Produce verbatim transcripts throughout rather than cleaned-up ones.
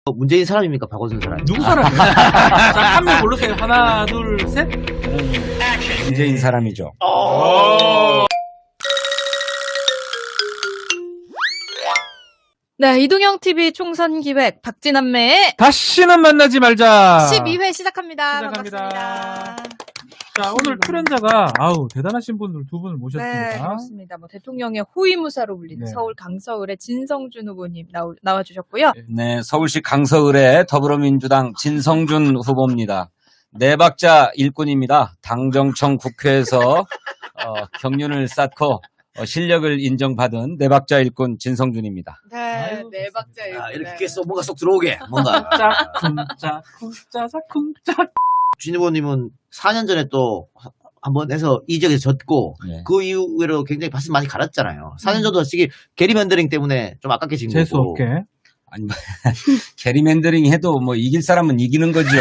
어, 문재인 사람입니까? 박원순 사람? 누구 사람이에요? 자, 한 명 고르세요. 하나, 둘, 셋. 문재인 사람이죠. 네, 이동형티비 총선 기획 박진남매의 다시는 만나지 말자. 십이 회 시작합니다. 시작합니다. 반갑습니다. 자, 오늘 출연자가 아우 대단하신 분들 두 분을 모셨습니다. 네, 그렇습니다. 뭐 대통령의 호위무사로 불리는 네. 서울 강서을의 진성준 후보님 나오, 나와주셨고요. 네, 서울시 강서을의 더불어민주당 진성준 후보입니다. 네 박자 일꾼입니다. 당정청 국회에서 어, 경륜을 쌓고 어, 실력을 인정받은 네 박자 일꾼 진성준입니다. 네, 아이고, 네 박자 아, 일꾼. 이렇게 써 뭔가 쏙 들어오게 뭔가. 쿵짝, 쿵짝, 쿵짜자, 쿵짝. 진 후보님은 사 년 전에 또 한번 해서 이 지역에서 졌고 네. 그 이후로 굉장히 밭을 많이 갈았잖아요. 사 년 전도 솔직히 게리맨더링 때문에 좀 아깝게 진 재수 거고. 없게. 아니, 뭐, 게리맨더링 해도 뭐 이길 사람은 이기는 거죠.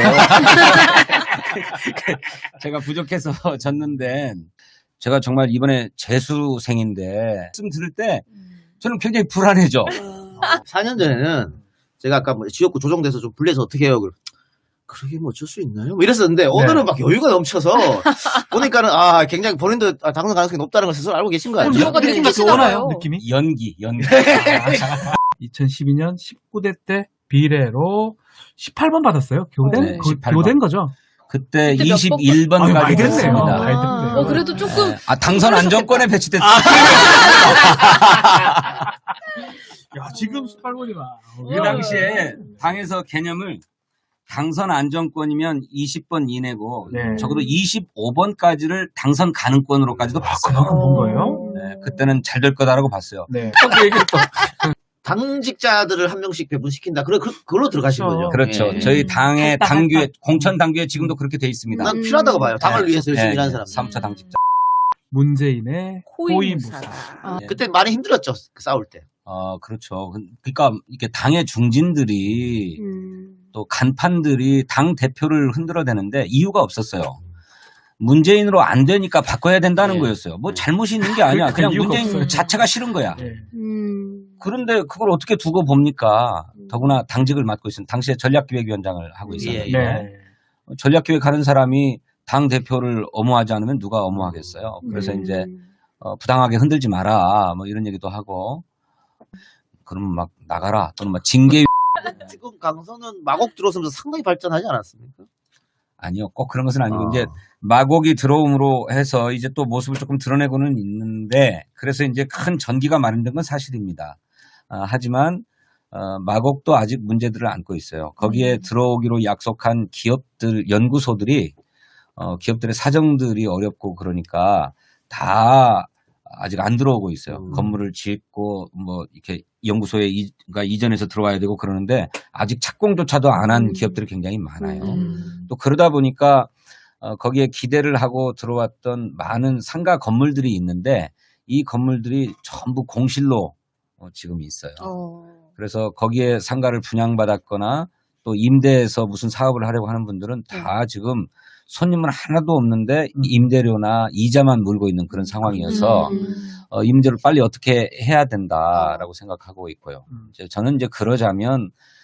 제가 부족해서 졌는데 제가 정말 이번에 재수생인데 말씀 들을 때 저는 굉장히 불안해져. 사 년 전에는 제가 아까 뭐 지역구 조정돼서 좀 불리해서 어떻게 해요? 그러게 뭐 어쩔 수 있나요? 뭐 이랬었는데 오늘은 막 여유가 넘쳐서 보니까는 아 굉장히 본인도 아, 당선 가능성이 높다는 걸 스스로 알고 계신 거 그럼 아니에요? 뭐가 느낌 같이 느끼시나봐요. 오나요? 느낌이? 연기, 연기. 이천십이 년 십구 대 때 비례로 십팔 번 받았어요. 교된? 네, 그, 십팔 번. 교된 거죠? 그때 그때 몇 이십일 번까지 아유, 많이 됐네요. 됐습니다. 많이 됐네요. 어, 그래도 조금. 네. 아, 당선 안정권에 배치됐어요. 야, 지금 십팔 번이면. 그 당시에 당에서 개념을 당선 안정권이면 이십 번 이내고 네. 적어도 이십오 번까지를 당선 가능권으로까지도 봤어요. 그만큼 본 거예요? 네, 그때는 잘 될 거다라고 봤어요. 네. 그 얘기를 또. 당직자들을 한 명씩 배분시킨다. 그래, 그, 그걸로 들어가신 거죠. 그렇죠. 예. 저희 당의 할당, 당규에 할당. 공천 당규에 지금도 그렇게 돼 있습니다. 난 필요하다고 봐요. 당을 네. 위해서 열심히 네, 일하는 네. 사람. 삼 차 당직자. 문재인의 호위무사. 호위무사. 아, 그때 많이 힘들었죠. 그 싸울 때. 어, 그렇죠. 그러니까 이게 당의 중진들이 음. 또 간판들이 당 대표를 흔들어대는데 이유가 없었어요. 문재인으로 안 되니까 바꿔야 된다는 네. 거였어요. 뭐 잘못이 있는 게 아니야. 그러니까 그냥 이유가 문재인 없어요. 자체가 싫은 거야. 네. 음. 그런데 그걸 어떻게 두고 봅니까? 더구나 당직을 맡고 있는 당시에 전략기획위원장을 하고 있었는데 예, 네. 전략기획하는 사람이 당 대표를 엄호하지 않으면 누가 엄호하겠어요. 그래서 음. 이제 어, 부당하게 흔들지 마라 뭐 이런 얘기도 하고 그러면 막 나가라 또는 막 징계 지금 강서는 마곡 들어서면서 상당히 발전하지 않았습니까? 아니요 꼭 그런 것은 아니고 아. 이제 마곡이 들어옴으로 해서 이제 또 모습을 조금 드러내고는 있는데 그래서 이제 큰 전기가 마련된 건 사실입니다. 아, 하지만 어, 마곡도 아직 문제들을 안고 있어요. 거기에 음. 들어오기로 약속한 기업들 연구소들이 어, 기업들의 사정들이 어렵고 그러니까 다 아직 안 들어오고 있어요. 음. 건물을 짓고 뭐 이렇게 연구소에 이, 그러니까 이전해서 들어와야 되고 그러는데 아직 착공조차도 안 한 음. 기업들이 굉장히 많아요. 음. 또 그러다 보니까 어, 거기에 기대를 하고 들어왔던 많은 상가 건물들이 있는데 이 건물들이 전부 공실로 어, 지금 있어요. 어. 그래서 거기에 상가를 분양받았거나 또 임대해서 무슨 사업을 하려고 하는 분들은 다 지금 손님은 하나도 없는데 임대료나 이자만 물고 있는 그런 상황이어서 음. 어, 임대를 빨리 어떻게 해야 된다라고 생각하고 있고요. 음. 이제 저는 이제 그러자면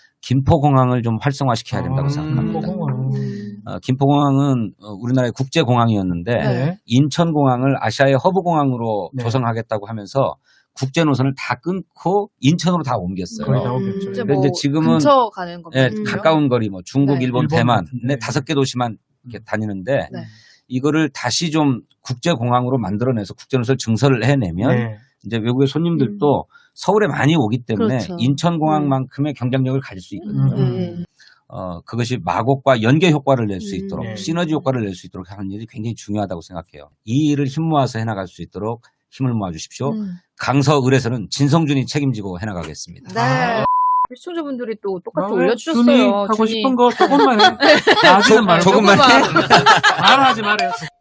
김포공항을 좀 활성화시켜야 된다고 음, 생각합니다. 김포공항. 어, 김포공항은 어, 우리나라의 국제공항이었는데 네. 인천공항을 아시아의 허브공항으로 네. 조성하겠다고 하면서 국제 노선을 다 끊고 인천으로 다 옮겼어요. 거의 다 오겠죠. 이제 근데 뭐 이제 지금은 근처 가는 겁니다. 예, 그죠? 가까운 거리 뭐 중국, 네. 일본, 일본 대만 같은데. 네 다섯 개 도시만 이렇게 다니는데 네. 이거를 다시 좀 국제공항으로 만들어내서 국제노선을 증설을 해내면 네. 이제 외국의 손님들도 서울에 많이 오기 때문에 그렇죠. 인천공항만큼의 경쟁력을 가질 수 있거든요. 음. 어, 그것이 마곡과 연계 효과를 낼 수 음. 있도록 네. 시너지 효과를 낼 수 있도록 하는 일이 굉장히 중요하다고 생각해요. 이 일을 힘 모아서 해나갈 수 있도록 힘을 모아 주십시오. 음. 강서을에서는 진성준이 책임지고 해나가겠습니다. 네. 시청자분들이 또 똑같이 아, 올려주셨어요. 준이 하고 준이. 싶은 거 조금만 해. 다 하지는 말고. 조금만 해. 말하지 말아요.